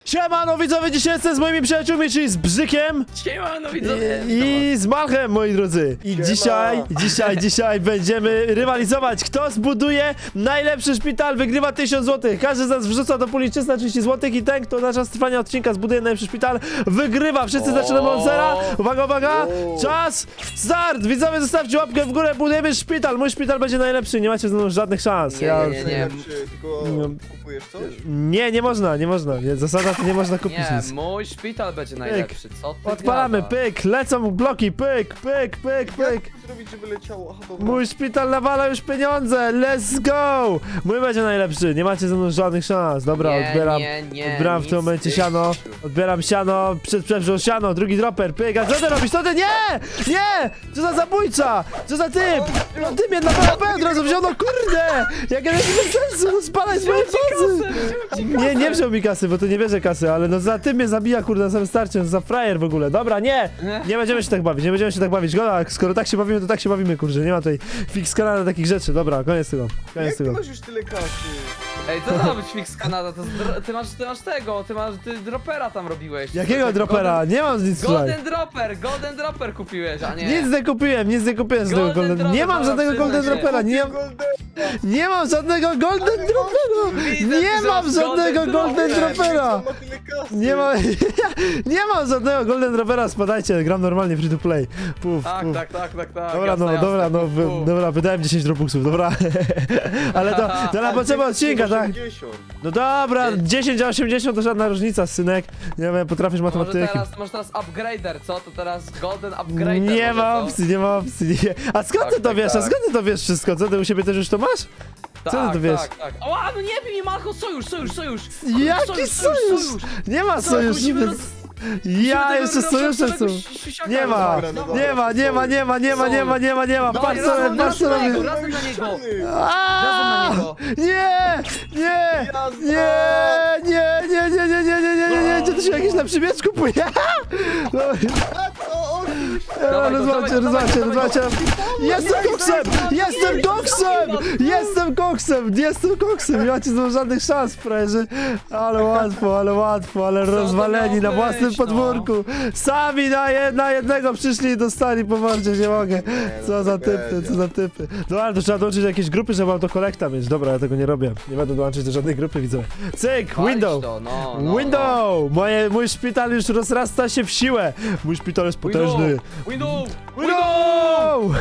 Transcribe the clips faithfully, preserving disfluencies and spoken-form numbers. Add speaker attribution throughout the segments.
Speaker 1: Siemano widzowie, dzisiaj jestem z moimi przyjaciółmi, czyli z Bzykiem
Speaker 2: Siemano widzowie!
Speaker 1: i, i z Malchem, moi drodzy. I
Speaker 3: Siema.
Speaker 1: dzisiaj, dzisiaj, dzisiaj będziemy rywalizować. Kto zbuduje najlepszy szpital, wygrywa tysiąc złotych. Każdy z nas wrzuca do puli trzysta trzydzieści złotych i ten, kto na czas trwania odcinka zbuduje najlepszy szpital, wygrywa. Wszyscy zaczynamy od zera. Uwaga, uwaga,
Speaker 3: O.
Speaker 1: czas, start! Widzowie, zostawcie łapkę w górę, budujemy szpital. Mój szpital będzie najlepszy, nie macie ze mną żadnych szans.
Speaker 2: Nie,
Speaker 1: Ja...
Speaker 2: nie, nie.
Speaker 3: Najlepszy, tylko
Speaker 1: Nie.
Speaker 3: kupujesz coś?
Speaker 1: Nie, nie można, nie można. Nie, zasada to nie można kupić
Speaker 2: Nie,
Speaker 1: nic.
Speaker 2: mój szpital będzie najlepszy, co ty
Speaker 1: Odpalamy,
Speaker 2: gadasz?
Speaker 1: pyk, lecą bloki, pyk, pyk, pyk, pyk.
Speaker 3: Jak to zrobić, żeby leciało? Aha, dobra.
Speaker 1: Mój szpital nawala już pieniądze, let's go! Mój będzie najlepszy, nie macie ze mną żadnych szans. Dobra,
Speaker 2: nie,
Speaker 1: odbieram,
Speaker 2: nie, nie,
Speaker 1: odbieram w
Speaker 2: nic
Speaker 1: tym momencie
Speaker 2: ty-
Speaker 1: siano, odbieram siano, przed przewrzą siano, drugi dropper, pyk, a co ty robisz, co ty, nie! Nie! Co za zabójca! Co za typ! No ty mnie na P od razu wziął, no kurde! Jak ja nie bez sensu, no spalaj z mojej bazy! Nie, nie wziął mi kasy, bo to nie bierze kasy, ale no za tym mnie zabija, kurde, na samym starcie, za frajer w ogóle. Dobra, nie! Nie będziemy się tak bawić, nie będziemy się tak bawić. Goda, skoro tak się bawimy, to tak się bawimy, kurde, nie ma tutaj fix kanału takich rzeczy. Dobra, koniec tego, koniec
Speaker 3: Jak ty
Speaker 1: tego.
Speaker 3: masz już tyle kasy?
Speaker 2: Ej, to ma być fix Kanada, to z- ty masz, ty masz tego, ty masz, ty dropera tam robiłeś.
Speaker 1: Jakiego
Speaker 2: Golden-
Speaker 1: dropera? Nie mam nic tutaj.
Speaker 2: Golden dropper, golden dropper kupiłeś, a nie.
Speaker 1: Nic nie kupiłem, nic nie kupiłem z tego
Speaker 2: Golden
Speaker 1: golden.
Speaker 2: dropper,
Speaker 1: Nie mam
Speaker 2: dobra,
Speaker 1: żadnego
Speaker 2: przyznaj
Speaker 1: golden
Speaker 2: się.
Speaker 1: dropera, nie,
Speaker 3: Golden.
Speaker 1: nie mam żadnego golden dropera!
Speaker 2: Widzę,
Speaker 1: Nie
Speaker 2: że
Speaker 1: mam
Speaker 2: masz
Speaker 1: żadnego
Speaker 2: golden
Speaker 1: golden
Speaker 2: dropper.
Speaker 1: dropera!
Speaker 3: Ma tyle kasy.
Speaker 1: Nie ma, nie mam żadnego golden dropera, spadajcie, gram normalnie free to play. Puf,
Speaker 2: Tak,
Speaker 1: puf.
Speaker 2: tak, tak, tak, tak.
Speaker 1: Dobra,
Speaker 2: jasne,
Speaker 1: no,
Speaker 2: jasne,
Speaker 1: dobra, no,
Speaker 2: fu,
Speaker 1: wy,
Speaker 2: fu.
Speaker 1: dobra, wydałem dziesięć robuxów, dobra. Ale to, to na potrzeby odcinka, tak?
Speaker 3: osiemdziesiąt.
Speaker 1: No dobra, dziesięć a osiemdziesiąt to żadna różnica, synek. Nie wiem, potrafisz
Speaker 2: Może
Speaker 1: matematyki.
Speaker 2: teraz, może teraz upgrader, co? To teraz golden upgrader.
Speaker 1: Nie
Speaker 2: może,
Speaker 1: ma
Speaker 2: co?
Speaker 1: opcji, nie ma opcji. Nie. A skąd
Speaker 2: Tak,
Speaker 1: ty to
Speaker 2: tak,
Speaker 1: wiesz? A
Speaker 2: tak.
Speaker 1: skąd ty to wiesz wszystko? Co, ty u siebie też już to masz?
Speaker 2: Tak,
Speaker 1: Co ty to wiesz?
Speaker 2: Tak, tak. Ała, no nie bij mi, Malcho, sojusz, sojusz, sojusz!
Speaker 1: Jaki sojusz? Nie ma sojuszu.
Speaker 2: musimy
Speaker 1: więc- Ja jeszcze sojusze są. Nie ma,
Speaker 3: Dobra, no dobra,
Speaker 1: nie ma, nie ma, nie ma, nie ma, nie ma, nie ma, nie ma.
Speaker 2: No,
Speaker 1: Patrz
Speaker 2: razem,
Speaker 1: sobie, patrz
Speaker 2: razem na
Speaker 1: sobie.
Speaker 2: niego, razem na niego!
Speaker 1: Aaaa!
Speaker 2: Razem na niego.
Speaker 1: Nie! Nie! Nie! Nie! Nie! Nie! Nie! Nie! Nie! Nie! Nie! Nie! Gdzie to się jakiś lepszy miecz kupuje? No,
Speaker 3: O, o,
Speaker 1: Dobra,
Speaker 2: Dawaj go,
Speaker 1: rozwalcie,
Speaker 2: dawaj go,
Speaker 1: rozwalcie,
Speaker 2: dawaj go.
Speaker 1: rozwalcie. Jestem koksem! Jestem koksem! Jestem koksem! Jestem koksem! Nie macie znowu żadnych szans, frajerzy. Ale łatwo, ale łatwo, ale
Speaker 2: to
Speaker 1: rozwaleni na
Speaker 2: miało
Speaker 1: własnym
Speaker 2: być, no?
Speaker 1: podwórku. Sami na, jed, na jednego przyszli i dostali po mordzie, nie mogę. Co za typy, co za typy. No ale to trzeba dołączyć do jakiejś grupy, żeby autokolekta mieć. Dobra, ja tego nie robię. Nie będę dołączyć do żadnej grupy, widzę. Cyk,
Speaker 2: Walić
Speaker 1: window!
Speaker 2: to, no, no,
Speaker 1: Window! Moje, mój szpital już rozrasta się w siłę. Mój szpital jest
Speaker 2: no.
Speaker 1: potężny.
Speaker 2: Window!
Speaker 1: Window!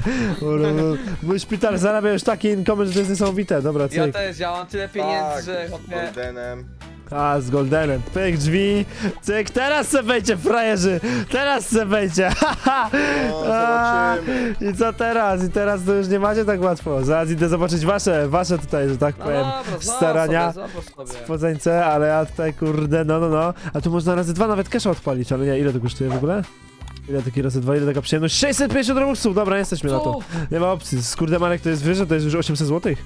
Speaker 1: Mój szpital zarabia już takie income, że to jest niesamowite. Dobra,
Speaker 2: Ja
Speaker 1: cyk.
Speaker 2: też, ja mam tyle pieniędzy,
Speaker 3: Tak,
Speaker 2: że...
Speaker 3: z
Speaker 2: hopie-
Speaker 3: Goldenem.
Speaker 1: A, z goldenem. Pyk, drzwi. Cyk, teraz se wejdzie, frajerzy. Teraz se wejdzie.
Speaker 3: No, zobaczymy.
Speaker 1: I co teraz? I teraz to już nie macie tak łatwo. Zaraz idę zobaczyć wasze, wasze tutaj, że tak
Speaker 2: No
Speaker 1: powiem,
Speaker 2: dobra, zobacz
Speaker 1: starania.
Speaker 2: sobie, zobacz sobie.
Speaker 1: Spodzańce, ale ja tutaj kurde, no no no. A tu można razy dwa nawet casha odpalić, ale nie, ile to kosztuje w ogóle? Ile taki razy dwa, ile taka przyjemność? sześćset pięćdziesiąt robuxów, dobra, jesteśmy na to.
Speaker 2: Co?
Speaker 1: Nie ma opcji, skurde Marek to jest wyżej, to jest już osiemset złotych.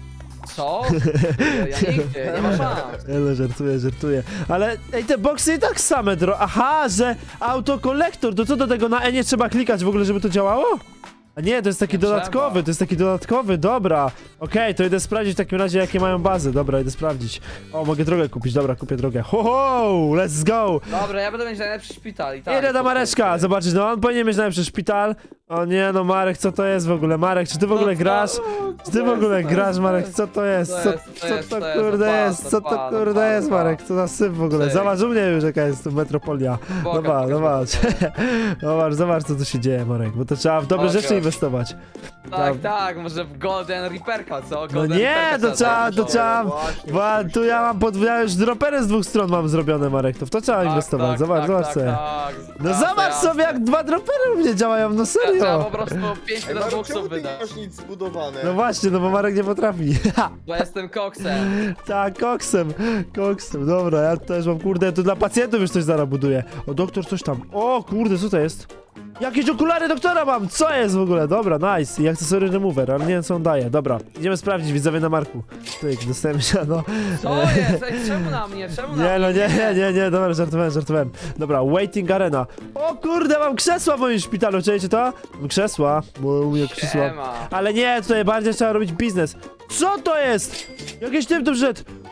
Speaker 2: Co? Ja nigdzie, nie ma szans.
Speaker 1: Ale żartuję, żartuję. Ale ej, te boksy i tak same dro... Aha, że autokolektor, to co do tego na E nie trzeba klikać w ogóle, żeby to działało? A nie, to jest taki
Speaker 2: Nie
Speaker 1: dodatkowy,
Speaker 2: trzeba.
Speaker 1: to jest taki dodatkowy, dobra. Okej, to idę sprawdzić w takim razie, jakie mają bazy. Dobra, idę sprawdzić. O, mogę drogę kupić, dobra, kupię drogę. Ho, ho, let's go!
Speaker 2: Dobra, ja będę mieć najlepszy szpital i tak.
Speaker 1: Idę do
Speaker 2: to
Speaker 1: Mareczka,
Speaker 2: kurde.
Speaker 1: zobaczyć, no on powinien mieć najlepszy szpital. O nie, no Marek, co to jest w ogóle? Marek, czy ty w ogóle
Speaker 2: No,
Speaker 1: grasz?
Speaker 2: no,
Speaker 1: Czy ty w
Speaker 2: to
Speaker 1: ogóle
Speaker 2: jest, to
Speaker 1: grasz,
Speaker 2: jest,
Speaker 1: Marek?
Speaker 2: to
Speaker 1: Co to jest?
Speaker 2: to
Speaker 1: Co,
Speaker 2: jest, to
Speaker 1: co
Speaker 2: jest,
Speaker 1: to
Speaker 2: to jest,
Speaker 1: kurde
Speaker 2: odpala,
Speaker 1: jest? Co to
Speaker 2: odpala,
Speaker 1: kurde
Speaker 2: odpala,
Speaker 1: jest,
Speaker 2: odpala.
Speaker 1: Marek? Co za syp w ogóle?
Speaker 2: Cyk.
Speaker 1: Zobacz u mnie już jaka jest tu metropolia.
Speaker 2: Pokaż,
Speaker 1: Zobacz,
Speaker 2: pokaż,
Speaker 1: zobacz.
Speaker 2: pokaż.
Speaker 1: Zobacz, zobacz co tu się dzieje, Marek, bo to trzeba w dobre
Speaker 2: Pokaż.
Speaker 1: rzeczy inwestować.
Speaker 2: Tak, tak, może w Golden Reaperka, co?
Speaker 1: No
Speaker 2: Golden
Speaker 1: nie,
Speaker 2: Reaperka
Speaker 1: to trzeba, to
Speaker 2: założyć.
Speaker 1: trzeba...
Speaker 3: Właśnie,
Speaker 1: Bo
Speaker 3: właśnie.
Speaker 1: tu ja mam podw... ja już dropery z dwóch stron mam zrobione, Marek, to w to trzeba
Speaker 2: Tak,
Speaker 1: inwestować.
Speaker 2: tak,
Speaker 1: Zobacz,
Speaker 2: tak,
Speaker 1: zobacz
Speaker 2: tak,
Speaker 1: sobie.
Speaker 2: tak.
Speaker 1: No
Speaker 2: Jasne,
Speaker 1: zobacz
Speaker 2: jasne.
Speaker 1: sobie, jak dwa dropery u mnie działają, no
Speaker 2: Trzeba
Speaker 1: serio.
Speaker 2: po prostu pięć
Speaker 3: Ej, Marek,
Speaker 2: robuxów
Speaker 3: czemu ty nie
Speaker 2: wydać.
Speaker 3: masz nic zbudowane?
Speaker 1: No właśnie, no bo Marek nie potrafi.
Speaker 2: Bo jestem koksem.
Speaker 1: Tak, koksem, koksem, dobra, ja też mam, kurde, to dla pacjentów już coś zaraz buduję. O, doktor coś tam, o, kurde, co to jest? Jakieś okulary doktora mam, co jest w ogóle? Dobra, nice, i akcesory remover, ale nie wiem co on daje, dobra. Idziemy sprawdzić, widzowie na Marku. Tyk, dostajemy się, no.
Speaker 2: Co jest? Ej, czemu na mnie? Czemu na
Speaker 1: Nie,
Speaker 2: mnie?
Speaker 1: no nie, nie, nie, nie, dobra, żartowałem, żartowałem. Dobra, waiting arena. O kurde, mam krzesła w moim szpitalu, czujecie to? Mam krzesła, bo u mnie krzesła.
Speaker 2: Siema.
Speaker 1: Ale nie, tutaj bardziej trzeba robić biznes. Co to jest? Jakiś typ tu wszedł.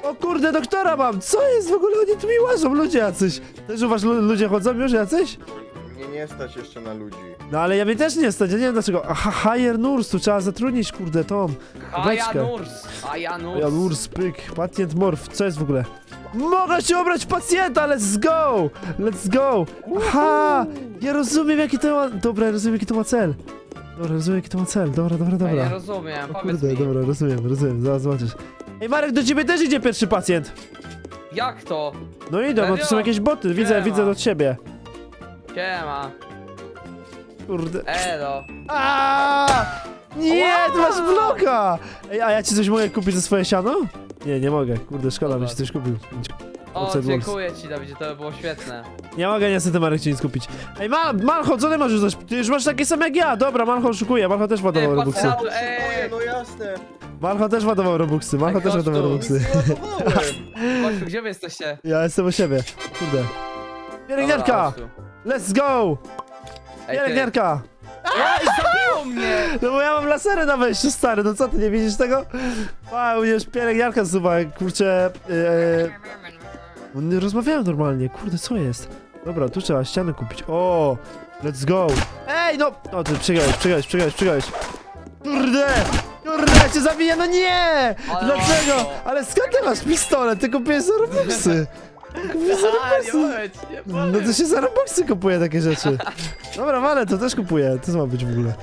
Speaker 1: O kurde, doktora mam! Co jest w ogóle? Oni tu mi łażą, ludzie jacyś. Też u was lu- ludzie chodzą już jacyś?
Speaker 3: Mnie nie stać jeszcze na ludzi.
Speaker 1: No ale ja mnie też nie stać, ja nie wiem dlaczego. Aha, hire nurse, tu trzeba zatrudnić, kurde, Tom.
Speaker 2: Haja
Speaker 1: Beczkę.
Speaker 2: Nurs! Haja Nurs!
Speaker 1: Ja nurse, pyk, pacjent morf, co jest w ogóle? Mogę się obrać pacjenta, let's go! Let's go! Aha! Ja rozumiem jaki to ma... Dobra, ja rozumiem jaki to ma cel. Dobra, rozumiem jaki to ma cel, dobra, dobra,
Speaker 2: Ja nie
Speaker 1: dobra.
Speaker 2: rozumiem,
Speaker 1: O
Speaker 2: powiedz
Speaker 1: kurde,
Speaker 2: mi.
Speaker 1: dobra, rozumiem, rozumiem, zaraz zobaczysz. Ej Marek, do ciebie też idzie pierwszy pacjent.
Speaker 2: Jak to?
Speaker 1: No idę, bo tu są
Speaker 2: Serio?
Speaker 1: jakieś boty, widzę,
Speaker 2: Nie
Speaker 1: widzę
Speaker 2: ma.
Speaker 1: do ciebie.
Speaker 2: Siema.
Speaker 1: Kurde.
Speaker 2: Elo.
Speaker 1: Aaaa! Nie, ty masz
Speaker 2: Wow!
Speaker 1: bloka! Ej, a ja ci coś mogę kupić za swoje siano? Nie, nie mogę, kurde, szkoda,
Speaker 2: Dobra.
Speaker 1: byś ci coś kupił.
Speaker 2: O,
Speaker 1: Outside walls.
Speaker 2: dziękuję ci, Dawidzie, to by było świetne.
Speaker 1: Nie mogę niestety Marek ci nic kupić. Ej, Mal Malcho, co ty masz już coś? Ty już masz takie same jak ja, dobra, Malcho oszukuje, Malcho też ładował
Speaker 2: Ty,
Speaker 1: robuxy.
Speaker 2: patrz-
Speaker 3: Ej,
Speaker 2: Ej.
Speaker 3: no jasne.
Speaker 1: Malcho też ładował robuxy, Malcho
Speaker 2: Ej,
Speaker 1: też
Speaker 2: chodź
Speaker 1: ładował
Speaker 2: tu.
Speaker 1: robuxy.
Speaker 3: Nic nie ładowałem.
Speaker 2: Chodź tu, gdzie wy jesteście?
Speaker 1: Ja jestem u siebie, kurde. Pielęgniarka!
Speaker 2: Dobra, chodź tu.
Speaker 1: Let's go!
Speaker 2: Ej, ty.
Speaker 1: Pielęgniarka!
Speaker 2: Ej, zabiło mnie!
Speaker 1: No bo ja mam lasery na wejściu, stary, no co ty, nie widzisz tego? Wow, już pielęgniarka zsuwa, kurczę... Yy, nie rozmawiałem normalnie, kurde, co jest? Dobra, tu trzeba ścianę kupić, o, let's go! Ej, no! O, ty przegrałeś, przegrałeś, przegrałeś, przegrałeś! Kurde! Kurde, ja cię zabiję, no nie!
Speaker 2: Ale
Speaker 1: Dlaczego?
Speaker 2: łatwo.
Speaker 1: Ale skąd ty masz pistolet? Ty kupiłeś za robuxy! Kupiłeś za
Speaker 2: A, nie
Speaker 1: robuxy!
Speaker 2: powiedz, nie
Speaker 1: No
Speaker 2: powiedz.
Speaker 1: to się za robuxy kupuje takie rzeczy. Dobra, ale to też kupuję, to co ma być w ogóle?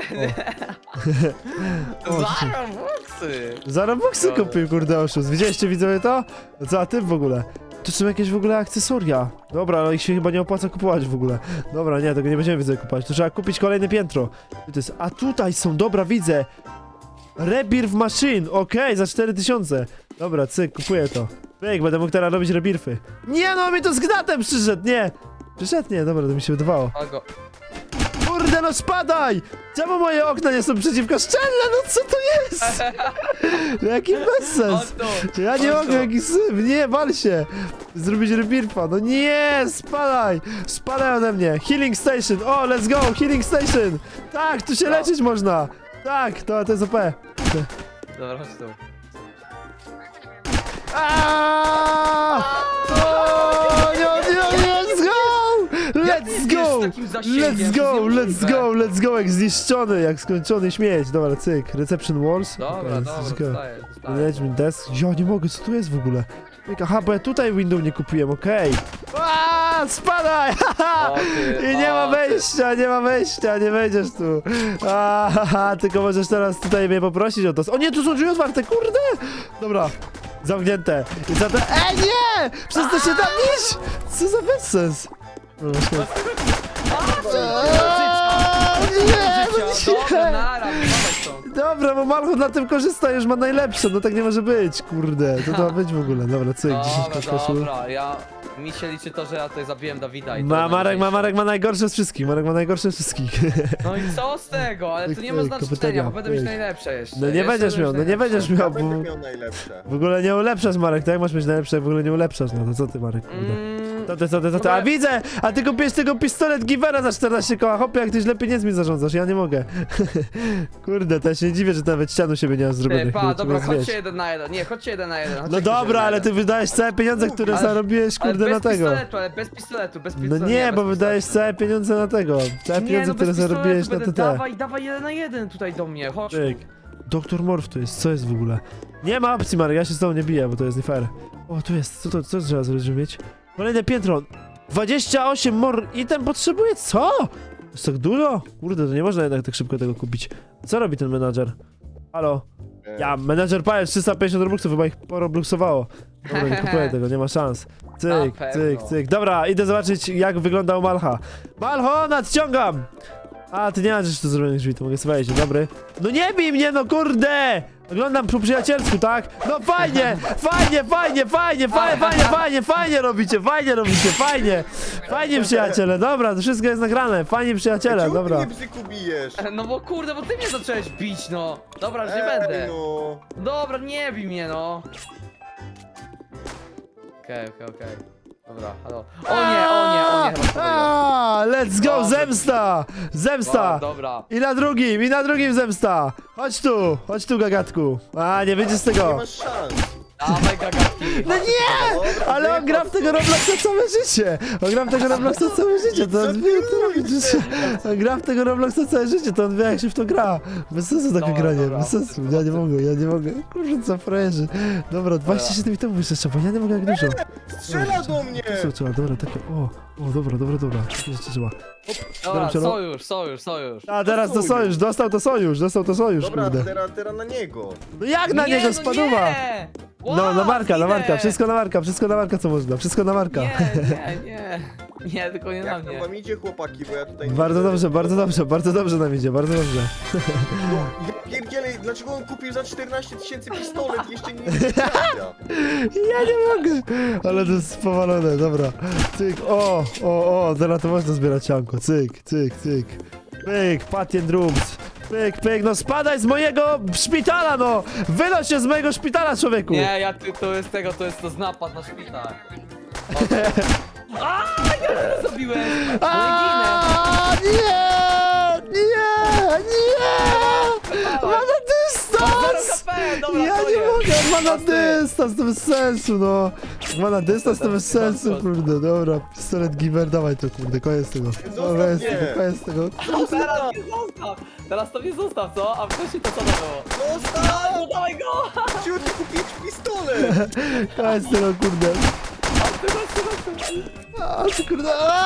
Speaker 1: O,
Speaker 2: Zaraz włosy!
Speaker 1: Za robuxy
Speaker 2: Dobra.
Speaker 1: kupił, kurde, oszust. Widzieliście, widzowie, to? No co, a ty w ogóle? To są jakieś w ogóle akcesoria. Dobra, ale ich się chyba nie opłaca kupować w ogóle. Dobra, nie, tego nie będziemy, widzę, kupować. To trzeba kupić kolejne piętro. Tu to jest, a tutaj są, dobra, widzę. Rebirth Machine, okej, za cztery tysiące. Dobra, cyk, kupuję to. Pyk, będę mógł teraz robić rebirfy. Nie no, mi to z gnatem przyszedł, nie. Przyszedł, nie, dobra, to mi się wydawało.
Speaker 2: Kogo?
Speaker 1: Kurde, no spadaj! Czemu moje okna nie są przeciwko szczelne? No co to jest? Jaki bezsens!
Speaker 2: Chodź tu.
Speaker 1: Ja nie
Speaker 2: Chodź
Speaker 1: mogę,
Speaker 2: tu.
Speaker 1: jaki syf, nie, wal się! Zrobić rebirfa, no nie, spadaj! Spadaj ode mnie! Healing Station, o, let's go, Healing Station! Tak, tu się
Speaker 2: No.
Speaker 1: leczyć można! Tak, to, to jest O P.
Speaker 2: Dobra, chodź tu.
Speaker 1: Aaaa! O, nie, nie, let's go!
Speaker 2: Jak
Speaker 1: Let's
Speaker 2: nie
Speaker 1: go!
Speaker 2: z takim zasięgiem?
Speaker 1: Let's
Speaker 2: To
Speaker 1: go,
Speaker 2: jest
Speaker 1: let's
Speaker 2: niemożliwe.
Speaker 1: go, let's go, jak zniszczony, jak skończony śmieć. Dobra, cyk, reception walls.
Speaker 2: Dobra,
Speaker 1: Okej,
Speaker 2: dobra,
Speaker 1: let's go.
Speaker 2: dostaję, dostaję.
Speaker 1: Management desk. Ja nie mogę, co tu jest w ogóle? Cyk, aha, bo ja tutaj window nie kupiłem, okej. Okay. Spadaj! haha!
Speaker 2: O ty,
Speaker 1: I nie
Speaker 2: o
Speaker 1: ma
Speaker 2: ty.
Speaker 1: wejścia, nie ma wejścia, nie wejdziesz tu. Aha, tylko możesz teraz tutaj mnie poprosić o to. O nie, tu są drzwi otwarte, kurde! Dobra, zamknięte. I za to... Ej, nie! Przez to się tam iść! Co za bezsens? Dobra, szkoda. Aaaa, nie, no
Speaker 2: Życia. Dobra,
Speaker 1: nie.
Speaker 2: nara, dawaj stąd.
Speaker 1: Dobra, bo Malcho na tym korzysta, już ma najlepsze, no tak nie może być, kurde, to to ma być w ogóle, dobra, cyk, dziesięć
Speaker 2: Dobra,
Speaker 1: koszul.
Speaker 2: dobra, ja... Mi się liczy to, że ja tutaj zabiłem Dawida i to
Speaker 1: Ma, Marek, ma,
Speaker 2: najważniejsze.
Speaker 1: Marek ma najgorsze z wszystkich, Marek ma najgorsze z wszystkich.
Speaker 2: No i co z tego? Ale tu nie ma
Speaker 1: Pyk,
Speaker 2: znaczenia,
Speaker 1: kafeteria,
Speaker 2: bo będę mieć
Speaker 1: pyk.
Speaker 2: najlepsze jeszcze.
Speaker 1: No nie
Speaker 2: Jeszcze
Speaker 1: będziesz
Speaker 2: będę
Speaker 1: miał,
Speaker 2: mieć
Speaker 1: no nie
Speaker 2: najlepsze.
Speaker 1: będziesz
Speaker 3: Ja
Speaker 1: miał,
Speaker 3: będę
Speaker 1: bo
Speaker 3: miał najlepsze.
Speaker 1: w ogóle nie ulepszasz, Marek, tak jak masz mieć najlepsze, jak w ogóle nie ulepszasz, no to co ty, Marek, kurde.
Speaker 2: Mm,
Speaker 1: To ty, to ty, to ty, a widzę, a ty kupiłeś tego pistolet Givera za czternaście koła, hopie, jak ty źle pieniędzmi zarządzasz, ja nie mogę. Kurde, to ja się nie dziwię, że ty nawet ścianu siebie nie masz
Speaker 2: Ty,
Speaker 1: zrobionych.
Speaker 2: pa,
Speaker 1: nie
Speaker 2: dobra,
Speaker 1: trzeba
Speaker 2: chodźcie
Speaker 1: zwiedzić.
Speaker 2: jeden na jeden. Nie, chodźcie jeden na jeden. chodźcie
Speaker 1: No
Speaker 2: ktoś jeden
Speaker 1: dobra,
Speaker 2: na
Speaker 1: ale
Speaker 2: jeden.
Speaker 1: ty wydajesz całe pieniądze, które
Speaker 2: Ale-
Speaker 1: zarobiłeś,
Speaker 2: Ale
Speaker 1: kurde,
Speaker 2: bez
Speaker 1: na tego.
Speaker 2: pistoletu, ale bez pistoletu, bez
Speaker 1: No
Speaker 2: pistoletu.
Speaker 1: nie,
Speaker 2: bez
Speaker 1: bo wydajesz
Speaker 2: pistoletu.
Speaker 1: całe pieniądze na tego. Całe
Speaker 2: Nie,
Speaker 1: pieniądze,
Speaker 2: no
Speaker 1: które
Speaker 2: bez pistoletu
Speaker 1: zarobiłeś na
Speaker 2: będę,
Speaker 1: T T.
Speaker 2: Dawaj, dawaj jeden na jeden tutaj do mnie, chodź.
Speaker 1: Czyk. Doktor Morf tu jest, co jest w ogóle? Nie ma opcji, Marek, ja się z tobą nie biję, bo to jest nie fair. O, tu jest, co to, co trzeba zrobić, żeby mieć? Kolejne piętro. dwadzieścia osiem mor... item potrzebuje, co? Jest tak dużo? Kurde, to nie można jednak tak szybko tego kupić. Co robi ten menadżer? Halo?
Speaker 3: E,
Speaker 1: Ja, menadżer Pajac, trzysta pięćdziesiąt robuxów, chyba ich porobluxowało. Dobra, nie kupuję tego, nie ma szans. Cyk,
Speaker 2: Na
Speaker 1: cyk,
Speaker 2: pewno.
Speaker 1: cyk. Dobra, idę zobaczyć, jak wygląda u Malcha. Malcho, nadciągam! A, ty nie masz jeszcze zrobionych drzwi, to mogę sobie wejść, dobry. No nie bij mnie, no kurde! Oglądam po przyjacielsku, tak? No fajnie, fajnie, fajnie, fajnie, fajnie, fajnie, fajnie, fajnie robicie, fajnie robicie, fajnie. Fajnie przyjaciele, dobra, to wszystko jest nagrane. Fajnie przyjaciele,
Speaker 3: Czemu
Speaker 1: dobra.
Speaker 3: ty mnie bzyku bijesz?
Speaker 2: No bo kurde, bo ty mnie zacząłeś bić, no. Dobra, już nie
Speaker 3: Ej,
Speaker 2: będę.
Speaker 3: no.
Speaker 2: Dobra, nie bij mnie, no. Okej, okej, okej. Dobra, halo. O nie, o nie, o nie, chyba to było.
Speaker 1: A, let's go,
Speaker 2: Dobra.
Speaker 1: zemsta! Zemsta!
Speaker 2: Dobra.
Speaker 1: I na drugim, i na drugim zemsta! Chodź tu, chodź tu, gagatku. A, nie wyjdziesz z
Speaker 3: Nie
Speaker 1: tego.
Speaker 3: masz szans.
Speaker 2: Dawaj gagatki.
Speaker 1: No nie! Ale on gra w tego Robloxa całe życie! On gra w tego Robloxa całe życie, to on wie jak to robić. On gra w tego Robloxa całe życie, to on wie jak się w to gra. Bez sensu takie
Speaker 2: Dobra,
Speaker 1: granie,
Speaker 2: dobra.
Speaker 1: bez sensu. Ja nie mogę, ja nie mogę. Kurczę, co frajerzy. Dobra, dwadzieścia siedem to jeszcze trzeba, ja nie mogę jak dużo.
Speaker 3: Strzela do mnie!
Speaker 1: Co trzeba, dobra, takie, o, o, dobra, dobra, dobra. Takie rzeczy trzeba.
Speaker 2: Dobra,
Speaker 1: Dobra,
Speaker 2: sojusz, sojusz, sojusz.
Speaker 1: A teraz to sojusz, dostał to sojusz, dostał to sojusz,
Speaker 3: Dobra,
Speaker 1: kurde.
Speaker 3: teraz, teraz na niego.
Speaker 1: No jak na
Speaker 2: Nie,
Speaker 1: niego
Speaker 2: no
Speaker 1: spadła?
Speaker 2: nie!
Speaker 1: No, na
Speaker 2: Wow,
Speaker 1: Marka, na
Speaker 2: zginę!
Speaker 1: Marka, wszystko na Marka, wszystko na Marka co można, wszystko na Marka.
Speaker 2: Nie, nie, nie. Nie, tylko nie na
Speaker 3: Jak tam
Speaker 2: mnie.
Speaker 3: wam idzie, chłopaki, bo ja tutaj nie
Speaker 1: Bardzo
Speaker 3: widzę.
Speaker 1: dobrze, bardzo dobrze, bardzo dobrze nam idzie, bardzo dobrze.
Speaker 3: No, ja pierdzielę, dlaczego on kupił za czternaście tysięcy pistolet i jeszcze nie nie trafia?
Speaker 1: Ja nie mogę! Ale to jest powalone, dobra. Cyk, o, o, o, teraz to można zbierać sianko, cyk, cyk, cyk. Pyk, patient rooms. Pyk, pyk, no spadaj z mojego szpitala, no! Wynoś się z mojego szpitala, człowieku!
Speaker 2: Nie, ja ty, to jest tego, to jest to z napad na szpital. A, ja to zrobiłem! No ginę!
Speaker 1: A, nie! Nie! Nie! Ma na dystans!
Speaker 2: Zero K P, dobra,
Speaker 1: Ja
Speaker 2: to
Speaker 1: nie
Speaker 2: jest.
Speaker 1: mogę, on ma na
Speaker 2: Pasty.
Speaker 1: dystans, to bez sensu, no. Ma na dystans, to bez sensu, kurde, dobra. Pistolet giver, dawaj to, kurde, koniec tego. Dobra, jest
Speaker 3: mnie.
Speaker 1: tego, koniec tego.
Speaker 2: Teraz mnie zostaw! Teraz to mnie zostaw, co? A wcześniej to co to było?
Speaker 3: Zostaw!
Speaker 2: No dawaj go!
Speaker 3: Chciał ci kupić pistolet!
Speaker 1: Koniec tego, kurde. A, ty kurde.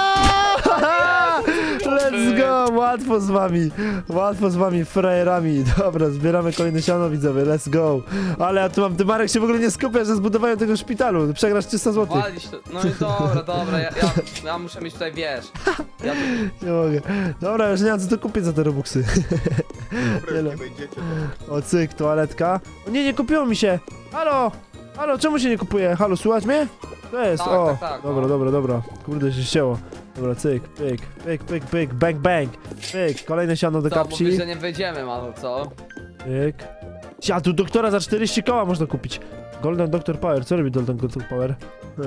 Speaker 1: Aaaa! Let's go, łatwo z wami, łatwo z wami, frajerami. Dobra, zbieramy kolejne siano, widzowie, let's go. Ale ja tu mam, ty Marek się w ogóle nie skupia, że zbudowałem tego szpitalu, przegrasz trzysta złotych.
Speaker 2: Walić to. No i dobra, dobra, ja, ja, ja muszę mieć tutaj, wiesz. Ja tu,
Speaker 1: Nie mogę. Dobra, już nie mam co tu kupić za te robuxy.
Speaker 3: Dobra,
Speaker 1: Tyle.
Speaker 3: nie wejdziecie tam.
Speaker 1: O, cyk, toaletka. O nie, nie kupiło mi się. Halo, halo, czemu się nie kupuje? Halo, słuchać mnie? To jest,
Speaker 2: Tak,
Speaker 1: o.
Speaker 2: tak, tak,
Speaker 1: Dobra,
Speaker 2: no.
Speaker 1: dobra, dobra. Kurde, się ścięło. Dobra, cyk, pyk, pyk, pyk, pyk, bang, bang. Pyk, kolejne siano do
Speaker 2: co,
Speaker 1: kapci.
Speaker 2: mówisz, że nie wyjdziemy, mano, co?
Speaker 1: Pyk. Ja, tu doktora za czterdzieści koła można kupić. Golden Doctor Power, co robi Golden Doctor Power?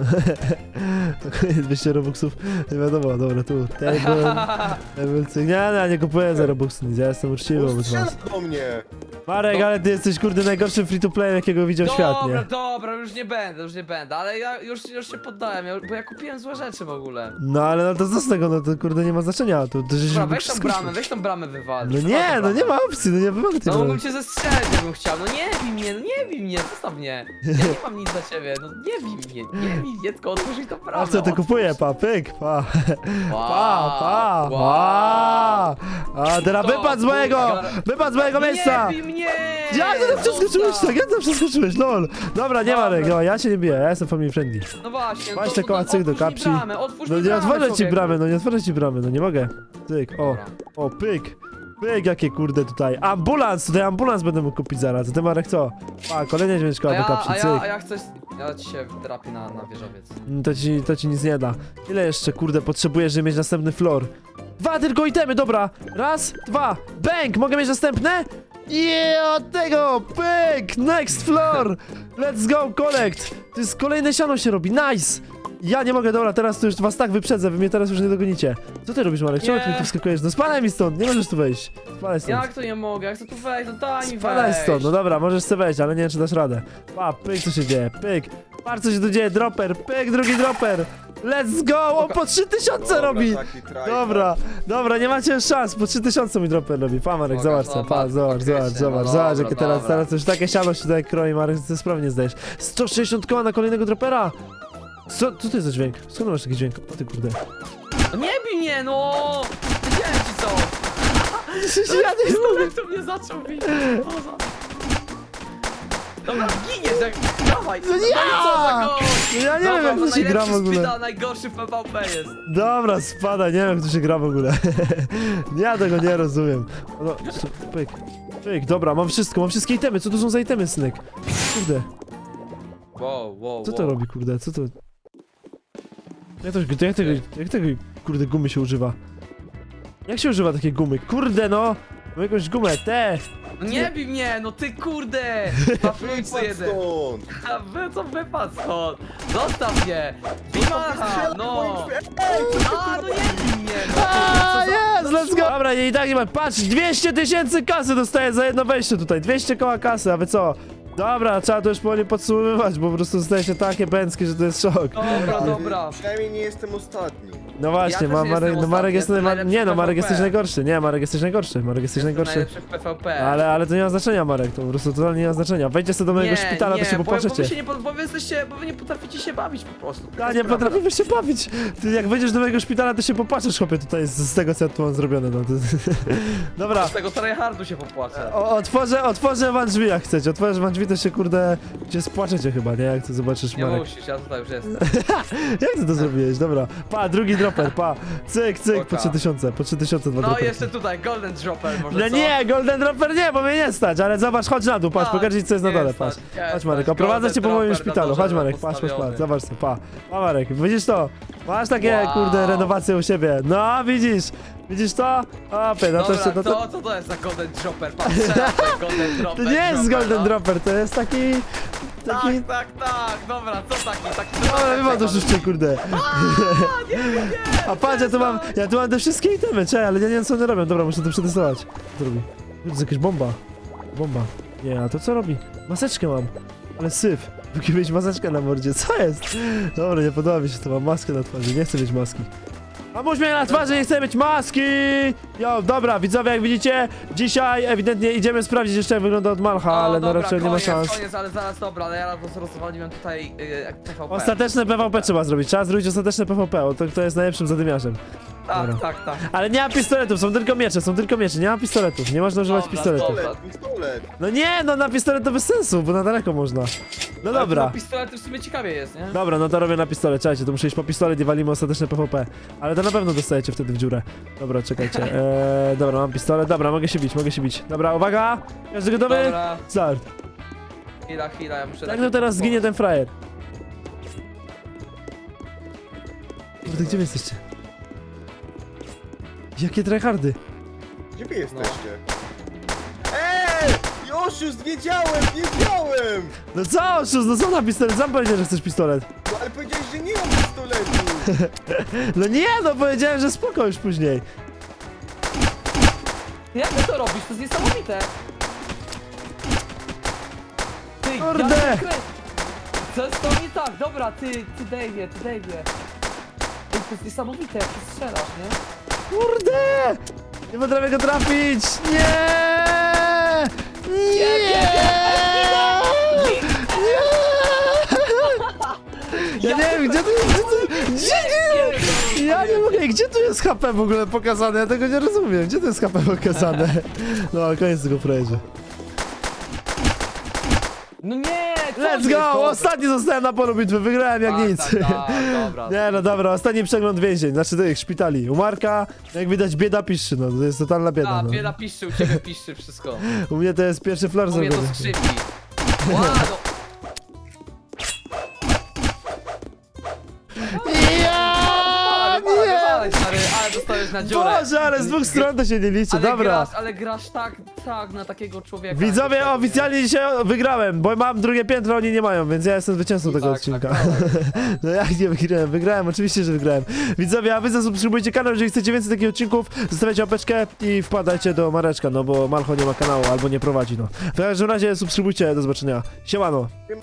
Speaker 1: dwieście robuxów, nie wiadomo, dobra, tu. Table, table, cyk. Nie, nie, nie kupuję za robuxy nic, ja jestem uczciwy
Speaker 3: On
Speaker 1: wobec
Speaker 3: strzela
Speaker 1: was.
Speaker 3: do mnie!
Speaker 1: Marek,
Speaker 2: No.
Speaker 1: ale ty jesteś kurde najgorszym free to play, jakiego widział świat,
Speaker 2: Dobra,
Speaker 1: nie?
Speaker 2: dobra, już nie będę, już nie będę, ale ja już, już się poddałem, ja, bo ja kupiłem złe rzeczy w ogóle.
Speaker 1: No ale no to co z tego, no to kurde nie ma znaczenia, to, to żeś
Speaker 2: Dobra,
Speaker 1: mógł
Speaker 2: weź tą
Speaker 1: wszystko-
Speaker 2: bramę, weź tą bramę wywal.
Speaker 1: No nie, no nie ma opcji, no nie wywalę tej
Speaker 2: No
Speaker 1: bramy.
Speaker 2: mógłbym cię zestrzelić, jakbym chciał, no nie bij mnie, no nie bij mnie, zostaw mnie. Ja nie mam nic dla ciebie, no nie bij mnie, nie bij mnie, tylko otwórz mi tą bramę.
Speaker 1: A co ty
Speaker 2: otwórz.
Speaker 1: kupuję, pa, pyk, pa,
Speaker 2: Wow,
Speaker 1: pa, pa,
Speaker 2: wow.
Speaker 1: pa. A teraz
Speaker 2: To
Speaker 1: wypadł z mojego,
Speaker 2: bułgar.
Speaker 1: wypadł z mojego
Speaker 2: No
Speaker 1: miejsca.
Speaker 2: nie bij mnie!
Speaker 1: Jak ty tam przeskoczyłeś
Speaker 2: zostaw.
Speaker 1: tak, jak tam przeskoczyłeś, lol. Dobra, nie
Speaker 2: Dobra.
Speaker 1: Marek, no ja się nie biję, ja jestem family friendly.
Speaker 2: No właśnie,
Speaker 1: Weź
Speaker 2: to,
Speaker 1: te
Speaker 2: to,
Speaker 1: koła
Speaker 2: to
Speaker 1: cyk do
Speaker 2: otwórz mi
Speaker 1: kapci.
Speaker 2: bramę, otwórz
Speaker 1: No
Speaker 2: mi
Speaker 1: nie
Speaker 2: bramę,
Speaker 1: otworzę ci
Speaker 2: człowieku.
Speaker 1: bramy, no nie otworzę ci bramy, no nie mogę. Cyk, o,
Speaker 2: Dobra.
Speaker 1: o, pyk. Pyk, jakie kurde tutaj. Ambulans, tutaj ambulans będę mógł kupić zaraz. A ty Marek co? A, kolejne dźwięczko
Speaker 2: A
Speaker 1: do
Speaker 2: ja,
Speaker 1: kapci,
Speaker 2: a ja,
Speaker 1: cyk.
Speaker 2: a ja chcę, ja ci się trafię na, na wieżowiec.
Speaker 1: Mm, To ci, to ci nic nie da. Ile jeszcze, kurde, potrzebujesz, żeby mieć następny floor? Dwa tylko itemy, dobra. Raz, dwa, bang! Mogę mieć następne? Yeah, od tego! Pyk! Next floor! Let's go, collect! To jest kolejne siano się robi, nice! Ja nie mogę, dobra, teraz to już was tak wyprzedzę, wy mnie teraz już nie dogonicie. Co ty robisz, Marek? Czemu ty
Speaker 2: Nie.
Speaker 1: mi tu wskakujesz? No spadaj mi stąd, nie możesz tu wejść. Spadaj stąd.
Speaker 2: Jak to nie mogę, jak to tu wejść, no daj mi
Speaker 1: Spadaj
Speaker 2: wejść.
Speaker 1: stąd, no dobra, możesz sobie wejść, ale nie wiem, czy dasz radę. Pa, pyk, co się dzieje, pyk. Patrz, co się tu dzieje, dropper, pyk, drugi dropper. Let's go, on po trzy tysiące
Speaker 3: Dobra,
Speaker 1: robi.
Speaker 3: taki tryhard.
Speaker 1: Dobra, dobra, nie macie szans, po trzy tysiące mi dropper robi. Pa, Marek,
Speaker 2: Pokaż,
Speaker 1: zobacz co, pa,
Speaker 2: zobacz,
Speaker 1: zobacz, zobacz,
Speaker 2: faktycznie,
Speaker 1: zobacz,
Speaker 2: no
Speaker 1: zobacz,
Speaker 2: dobra,
Speaker 1: jakie teraz,
Speaker 2: dobra.
Speaker 1: teraz już takie siano się tutaj kroi, Marek, ty sprawnie nie zdajesz. sto sześćdziesiąt koła na kolejnego dropera. Co, co to jest za dźwięk? Skąd masz taki dźwięk? O ty kurde.
Speaker 2: No nie bij mnie, no! Wiedziałem ci co!
Speaker 1: Ja nie mogę.
Speaker 2: Jak to mnie zaczął bić? O, za- Dobra, giniesz, jak... Dawaj!
Speaker 1: No nie!
Speaker 2: co za gość!
Speaker 1: No ja nie wiem,
Speaker 2: Dobra,
Speaker 1: jak
Speaker 2: no
Speaker 1: to się gra w
Speaker 2: najlepszy
Speaker 1: ogóle.
Speaker 2: szpital, najgorszy w P V P jest.
Speaker 1: Dobra, spadaj, nie wiem jak to się gra w ogóle. Ja tego nie rozumiem. No, co- pyk, pyk, dobra, mam wszystko, mam wszystkie itemy. Co to są za itemy, synek? Kurde,
Speaker 2: Wow, wow,
Speaker 1: co to
Speaker 2: wow.
Speaker 1: robi, kurde, co to... Jak, to, jak, tego, jak tego, kurde, gumy się używa? Jak się używa takiej gumy? Kurde, no! Mam jakąś gumę, te!
Speaker 2: No nie bij mnie, no ty kurde! Pafluńcy
Speaker 3: Wypadł
Speaker 2: jeden.
Speaker 3: stąd!
Speaker 2: A wy co wypadł stąd? Zostaw mnie! Bimacha,
Speaker 3: Strzela w moim
Speaker 2: no!
Speaker 3: drzwi- Ej, co ty tu
Speaker 2: A, no
Speaker 3: robisz?
Speaker 2: nie bij mnie, no!
Speaker 1: A,
Speaker 2: Co za-
Speaker 1: jest, let's go! Dobra, nie, i tak nie ma. Patrz, dwieście tysięcy kasy dostaję za jedno wejście tutaj. dwieście koła kasy, a wy co? Dobra, trzeba to już powoli podsumowywać, bo po prostu staje się takie bęckie, że to jest szok.
Speaker 2: Dobra, dobra.
Speaker 3: Przynajmniej nie jestem ostatni.
Speaker 1: No właśnie,
Speaker 2: Ja
Speaker 1: ma,
Speaker 2: też
Speaker 1: Marek,
Speaker 2: jestem
Speaker 1: no Marek
Speaker 2: ostatni,
Speaker 1: jest
Speaker 2: jestem
Speaker 1: najma...
Speaker 2: najlepszy
Speaker 1: Nie no,
Speaker 2: w
Speaker 1: Marek
Speaker 2: P V P.
Speaker 1: jesteś najgorszy, nie, Marek jesteś najgorszy, Marek jesteś
Speaker 2: Jestem
Speaker 1: najgorszy.
Speaker 2: najlepszy w P V P.
Speaker 1: Ale, ale to nie ma znaczenia, Marek, to po prostu totalnie nie ma znaczenia. Wejdźcie sobie do mojego
Speaker 2: nie,
Speaker 1: szpitala,
Speaker 2: nie,
Speaker 1: to się
Speaker 2: bo, bo wy
Speaker 1: popłaczecie.
Speaker 2: się nie, po- bo wy jesteście, bo wy nie potraficie się bawić po prostu. Taka
Speaker 1: Ja nie
Speaker 2: sprawa.
Speaker 1: potrafimy się bawić. Ty jak wejdziesz do mojego szpitala, to się popłaczesz, chłopie, tutaj z, z tego, co ja tu mam zrobione, no. To... Dobra,
Speaker 2: Z tego tryhardu się popłaczę.
Speaker 1: o, otworzę, otworzę wam drzwi, jak chcecie. Otworzysz wam drzwi, to się, kurde, się spłaczecie chyba, nie? Jak to zobaczysz,
Speaker 2: Nie
Speaker 1: Marek.
Speaker 2: musisz, ja tutaj już jestem.
Speaker 1: Jak ty to zrobiłeś? Dobra, pa, drugi dropper, pa. Cyk, cyk, po
Speaker 2: Oka.
Speaker 1: trzy tysiące, po trzy tysiące dwa
Speaker 2: No
Speaker 1: dropperki.
Speaker 2: jeszcze tutaj, Golden Dropper może
Speaker 1: No
Speaker 2: co?
Speaker 1: nie, golden dropper nie, bo mnie nie stać, ale zobacz, chodź na dół, patrz,
Speaker 2: Tak,
Speaker 1: pokażę ci, co jest na
Speaker 2: nie
Speaker 1: dole,
Speaker 2: stać,
Speaker 1: patrz.
Speaker 2: nie
Speaker 1: Chodź
Speaker 2: stać.
Speaker 1: Marek, oprowadzę cię po
Speaker 2: Golden
Speaker 1: moim
Speaker 2: Dropper na
Speaker 1: szpitalu, chodź
Speaker 2: dole
Speaker 1: Marek, patrz, patrz, patrz,
Speaker 2: postawiony.
Speaker 1: zobacz to, pa. Pa Marek, widzisz to? Masz takie,
Speaker 2: Wow.
Speaker 1: kurde, renowacje u siebie. No, widzisz, widzisz to? Opie, no to
Speaker 2: Dobra,
Speaker 1: jeszcze, no to...
Speaker 2: co, co to jest za Golden Dropper? Patrz, strzelam ten Golden
Speaker 1: To
Speaker 2: Dropper.
Speaker 1: nie jest
Speaker 2: dropper,
Speaker 1: golden
Speaker 2: no.
Speaker 1: dropper, to jest taki... Taki...
Speaker 2: Tak, tak, tak, dobra, co taki, taki...
Speaker 1: Ale wywal to szybciej, kurde.
Speaker 2: Nie, nie, nie,
Speaker 1: A patrz, ja tu mam, ja tu mam te wszystkie itemy, czekaj, ale ja nie wiem, co one robią. Dobra, muszę to przetestować. Co robi? To jest jakaś bomba. Bomba. Nie, a to co robi? Maseczkę mam. Ale syf. Musi mieć maseczkę na mordzie, co jest? Dobra, nie podoba mi się to, mam maskę na twarzy, nie chcę mieć maski. Mam uśmiech na twarzy, nie chcę mieć maski! Jo, dobra, widzowie, jak widzicie, dzisiaj ewidentnie idziemy sprawdzić jeszcze, jak wygląda od Malcha, ale no
Speaker 2: dobra,
Speaker 1: raczej nie ma
Speaker 2: koniec,
Speaker 1: szans.
Speaker 2: Koniec, ale zaraz, dobra, ale ja roz- rozwaliłem tutaj y, jak P V P.
Speaker 1: Ostateczne P V P trzeba zrobić, trzeba zrobić ostateczne P V P, o, to, to jest najlepszym zadymiarzem.
Speaker 2: Tak,
Speaker 1: Dobra.
Speaker 2: tak, tak.
Speaker 1: Ale nie ma pistoletów, są tylko miecze, są tylko miecze, nie ma pistoletów, nie można używać
Speaker 2: Dobra,
Speaker 1: pistoletów.
Speaker 2: dobra.
Speaker 3: Pistolet, pistolet.
Speaker 1: No nie, no na pistolet to bez sensu, bo na daleko można. No
Speaker 2: Ale
Speaker 1: dobra.
Speaker 2: to pistolet w sumie ciekawie jest, nie?
Speaker 1: Dobra, no to robię na pistolet, czekajcie, to muszę iść po pistolet i walimy ostateczne P V P. Ale to na pewno dostajecie wtedy w dziurę. Dobra, czekajcie. Eee, dobra, mam pistolet, dobra, mogę się bić, mogę się bić. Dobra, uwaga! Każdy gotowy?
Speaker 2: Dobra,
Speaker 1: Start.
Speaker 2: chwila, chwila, ja muszę...
Speaker 1: Jak
Speaker 2: tak-
Speaker 1: no teraz zginie ten frajer? Kurde, gdzie wy jesteście? Jakie tryhardy?
Speaker 3: Gdzie wy jesteście? Eee! Oszust, wiedziałem, wiedziałem!
Speaker 1: No co, oszust, no co na pistolet? Sam powiedział, że chcesz pistolet.
Speaker 3: No ale powiedziałeś, że nie mam pistoletu!
Speaker 1: No nie, no powiedziałem, że spoko już później.
Speaker 2: Jak ty to robisz? To jest niesamowite! Ty,
Speaker 1: Kurde!
Speaker 2: ja się krę- Co jest to nie tak? Dobra, ty, ty Dave'ie, ty Dave'ie. Ej, to jest niesamowite, jak ty strzelasz, nie?
Speaker 1: Kurde! Nie potrafię go trafić! Nie! Nie! Nie! Ja nie wiem, gdzie tu jest... Gdzie, tu, gdzie nie? Ja nie mogę, gdzie tu jest H P w ogóle pokazane? Ja tego nie rozumiem. Gdzie tu jest H P pokazane? No, koniec tego frajerze.
Speaker 2: No nie! co
Speaker 1: Let's
Speaker 2: jest?
Speaker 1: go!
Speaker 2: Dobra.
Speaker 1: Ostatni zostałem na polu bitwy, wygrałem jak
Speaker 2: Tak,
Speaker 1: nic.
Speaker 2: tak, tak, dobra.
Speaker 1: Nie no dobra, ostatni przegląd więzień, znaczy tych szpitali. U Marka, jak widać, bieda piszczy, no to jest totalna bieda.
Speaker 2: A,
Speaker 1: No.
Speaker 2: bieda piszczy, u ciebie piszczy wszystko.
Speaker 1: U mnie to jest pierwszy flor
Speaker 2: U mnie to
Speaker 1: zrobiony.
Speaker 2: skrzypi. Ła, no.
Speaker 1: Ja,
Speaker 2: Wywalaj,
Speaker 1: nie!
Speaker 2: wywalaj, stary, ale dostałeś na dziurę.
Speaker 1: Boże, ale z dwóch stron to się nie liczy,
Speaker 2: Ale
Speaker 1: dobra.
Speaker 2: grasz, ale grasz tak, tak na takiego człowieka.
Speaker 1: Widzowie,
Speaker 2: Jakoś tak,
Speaker 1: oficjalnie dzisiaj wygrałem, bo mam drugie piętro, oni nie mają, więc ja jestem zwycięzcą tego
Speaker 2: Tak,
Speaker 1: odcinka.
Speaker 2: tak,
Speaker 1: No jak nie wygrałem? Wygrałem, oczywiście, że wygrałem. Widzowie, a wy zasubskrybujcie kanał, jeżeli chcecie więcej takich odcinków, zostawiajcie łapeczkę i wpadajcie do Mareczka, no bo Malcho nie ma kanału albo nie prowadzi, no. W każdym razie subskrybujcie, do zobaczenia. Siemano.